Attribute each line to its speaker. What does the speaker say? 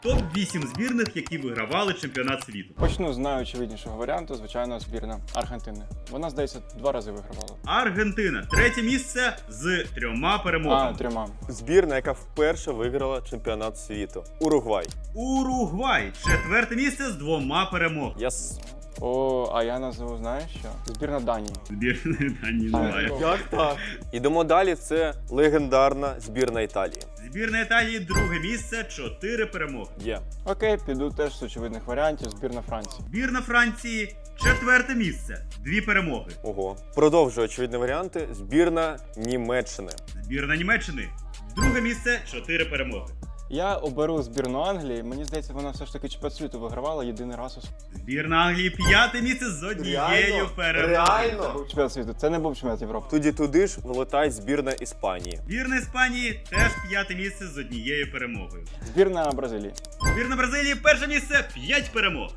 Speaker 1: Топ-8 збірних, які вигравали чемпіонат світу.
Speaker 2: Почну з найочевиднішого варіанту, звичайно, збірна Аргентини. Вона, здається, 2 рази вигравала.
Speaker 1: Аргентина. Третє місце з 3 перемогами.
Speaker 2: 3.
Speaker 3: Збірна, яка вперше виграла чемпіонат світу. Уругвай.
Speaker 1: Уругвай. Четверте місце з 2 перемогами.
Speaker 2: А я назву, знаєш що? Збірна Данії.
Speaker 1: Збірної Данії немає.
Speaker 3: Як так? Ідемо далі, це легендарна збірна Італії.
Speaker 1: Збірна Італії друге місце, 4 перемоги.
Speaker 3: Є.
Speaker 2: Окей, піду теж з очевидних варіантів. Збірна Франції.
Speaker 1: Збірна Франції четверте місце, 2 перемоги.
Speaker 3: Ого. Продовжую очевидні варіанти. Збірна Німеччини.
Speaker 1: Збірна Німеччини друге місце, 4 перемоги.
Speaker 2: Я оберу збірну Англії. Мені здається, вона все ж таки чемпіонат світу вигравала єдиний раз у
Speaker 1: Збірна Англії п'яте місце з однією перемогою.
Speaker 2: чемпіонат світу. Це не був чемпіонат Європи.
Speaker 3: Туди ж вилетає збірна Іспанії.
Speaker 1: Збірна Іспанії теж п'яте місце з однією перемогою.
Speaker 2: Збірна Бразилії.
Speaker 1: Збірна Бразилії перше місце, 5 перемог.